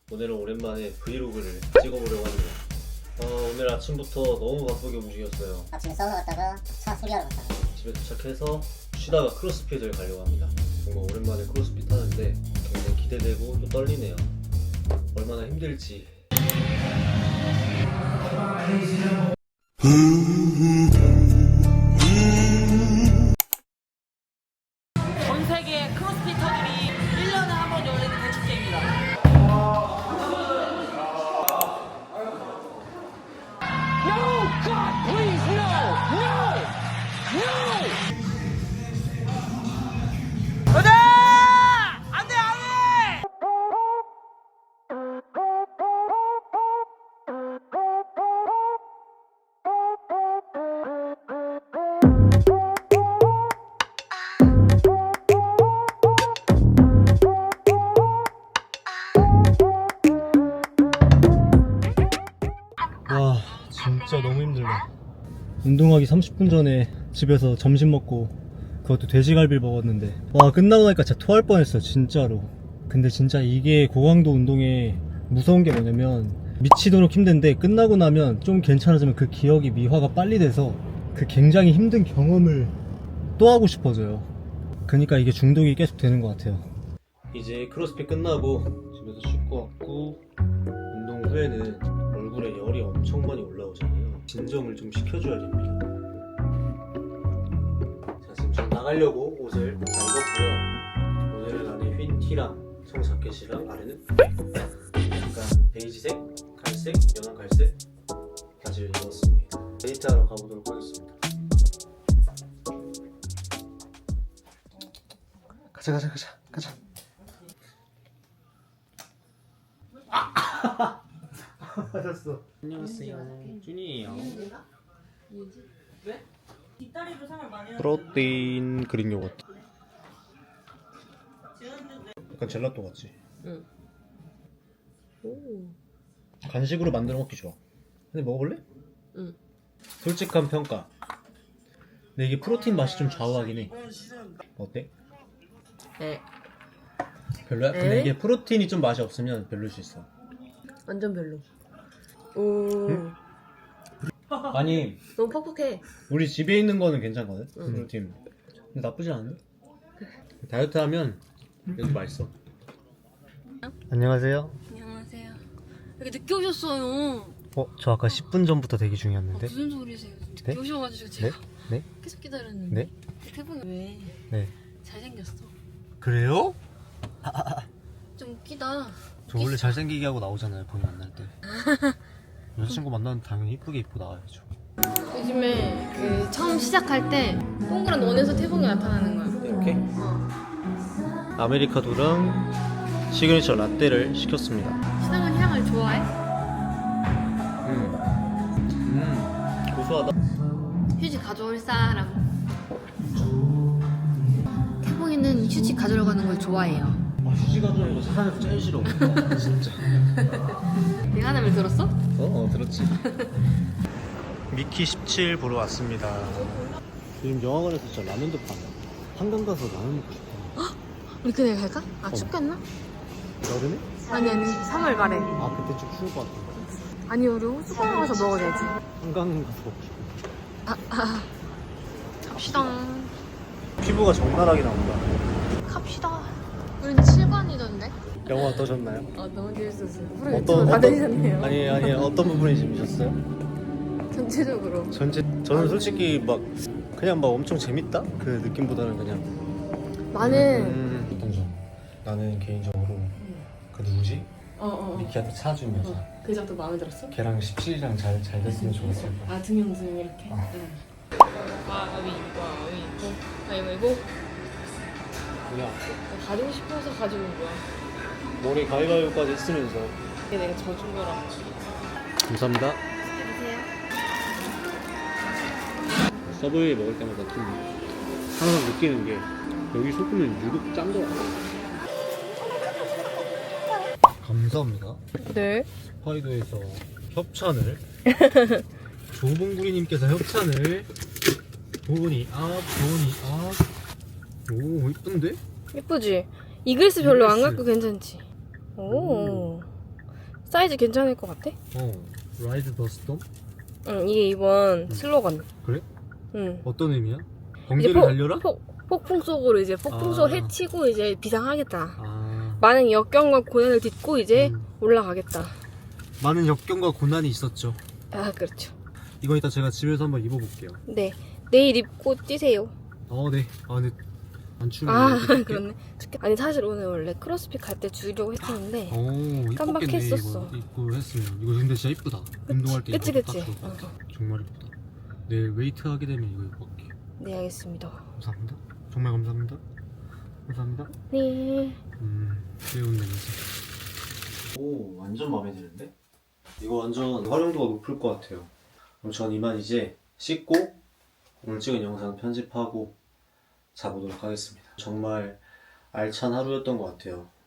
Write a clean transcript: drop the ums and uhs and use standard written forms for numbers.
오늘은 오랜만에 브이로그를 찍어보려고 합니다. 오늘 아침부터 너무 바쁘게 움직였어요. 아침에 사우나 갔다가 차 수리하러 갔다가 집에 도착해서 쉬다가 크로스핏을 가려고 합니다. 뭔가 오랜만에 크로스핏 하는데 굉장히 기대되고 또 떨리네요. 얼마나 힘들지. 전 세계 크로스피터들이 1년에 한 번 열리는 대축제입니다. No! God, please, no! No! No! 안 돼! 안 돼, 안 돼! 와 진짜 너무 힘들다. 운동하기 30분 전에 집에서 점심 먹고 그것도 돼지갈비를 먹었는데 와 끝나고 나니까 진짜 토할 뻔했어 진짜로. 근데 진짜 이게 고강도 운동에 무서운 게 뭐냐면 미치도록 힘든데 끝나고 나면 좀 괜찮아지면 그 기억이 미화가 빨리 돼서 그 굉장히 힘든 경험을 또 하고 싶어져요. 그러니까 이게 중독이 계속 되는 것 같아요. 이제 크로스핏 끝나고 집에서 씻고 왔고 운동 후에는 얼굴에 열이 엄청 많이 올라오잖아요. 진정을 좀 시켜줘야 됩니다. 자, 지금 전 나가려고 옷을 다 입었고요. 오늘은 안에 흰 티랑 청자켓이랑 아래는 약간 베이지색, 갈색, 연한 갈색 바지를 입었습니다. 데이트하러 가보도록 하겠습니다. 가자. 맞았어. 안녕하세요, 준이에요. 왜? 뒷다리로 상을 많이 프로테인 그릭 요거트. 약간 젤라또 같지? 응. 오. 간식으로 만들어 먹기 좋아. 근데 먹어볼래? 응. 솔직한 평가. 근데 이게 프로틴 맛이 좀 좌우하긴 해. 어때? 네. 별로야? 근데 에? 이게 프로틴이 좀 맛이 없으면 별로일 수 있어. 완전 별로. 오. 응? 아니 너무 퍽퍽해. 우리 집에 있는 거는 괜찮거든? 응. 프로틴. 근데 나쁘지 않은데? 다이어트 하면 그래도 맛있어. 안녕하세요. 안녕하세요. 이렇게 늦게 오셨어요. 저 아까 10분 전부터 대기 중이었는데. 무슨 소리세요? 늦게 네? 오셔가지고 제가 네? 계속 기다렸는데. 네? 태풍이 왜 네. 잘생겼어? 그래요? 좀 웃기다. 저 원래 잘생기게 하고 나오잖아요, 본인 만날 때. 여자친구 만나면 당연히 이쁘게 입고 나와야죠. 요즘에 그 처음 시작할 때 동그란 원에서 태풍이 나타나는 거야. 이렇게? 아메리카노랑 시그니처 라떼를 시켰습니다. 시나몬 향을 좋아해? 고소하다. 휴지 가져올 사람. 태풍이는 휴지 가져러 가는 걸 좋아해요. 휴지 가져오는 거 세상에서 제일 싫어. 진짜. 내가 하는 말 들었어? 들었지. 미키 17 보러 왔습니다. 요즘 영화관에서 진짜 라면도 파네. 한강 가서 라면 먹고 싶어. 우리 그날 갈까? 아 춥겠나? 여름에? 아니 3월 말에. 그때 좀 추울 것 같아. 아니 우리 호수공원 가서 먹어야지. 한강 가서 먹고 싶어. 갑시다. 피부가 적나라하게 나온다. 갑시다. 우린 7관이던데? 영화 어떠셨나요? 너무 재밌었어요. 프로 유튜브 다 되셨네요. 아니 어떤 부분이 재밌었어요? 전체적으로. 저는 솔직히 막 그냥 막 엄청 재밌다 그 느낌보다는 그냥 나는 어떤 점? 나는 개인적으로 그 누구지? 미키한테 차준 여자. 그 여자도 마음에 들었어? 걔랑 17이랑 잘 됐으면 좋았을 거야. 아 등용등 이렇게? 응. 가위바위보. 그냥 가지고 싶어서 가지고 온 거야. 머리 가위바위보까지 했으면서. 이게 내가 져준 거라. 감사합니다. 드세요. 서브웨이 먹을 때마다 좀 항상 느끼는 게 여기 소금은 유독 짠 거 같아. 감사합니다. 네. 홋카이도에서 협찬을 조봉구리님께서 협찬을 보니 오 이쁜데? 예쁘지? 이글스 별로 안 이글스. 갖고 괜찮지? 오. 사이즈 괜찮을 것 같아? 라이드 더 스톰? 응, 이게 이번 슬로건. 그래? 응. 어떤 의미야? 이제 번개를 달려라? 폭풍 속으로 이제 폭풍 속을 아. 헤치고 이제 비상하겠다. 아, 많은 역경과 고난을 딛고 이제 올라가겠다. 많은 역경과 고난이 있었죠. 아, 그렇죠. 이거 이따 제가 집에서 한번 입어볼게요. 네. 내일 입고 뛰세요. 네. 근데 안 추운데. 아, 어떡해? 그렇네. 아니, 사실 오늘 원래 크로스핏 갈 때 주려고 했었는데. 이뻤겠네. 깜빡했었어. 이거 입고 했으면. 이거 근데 진짜 이쁘다. 운동할 때 그치, 입어도 그치. 딱 좋을 것 같아. 정말 이쁘다. 내일 웨이트 하게 되면 이거 입고 갈게요. 네, 알겠습니다. 감사합니다. 정말 감사합니다. 감사합니다. 네. 귀여운 냄새. 오, 완전 마음에 드는데? 이거 완전 활용도가 높을 것 같아요. 그럼 전 이만 이제 씻고 오늘 찍은 영상 편집하고 자보도록 하겠습니다. 정말 알찬 하루였던 것 같아요.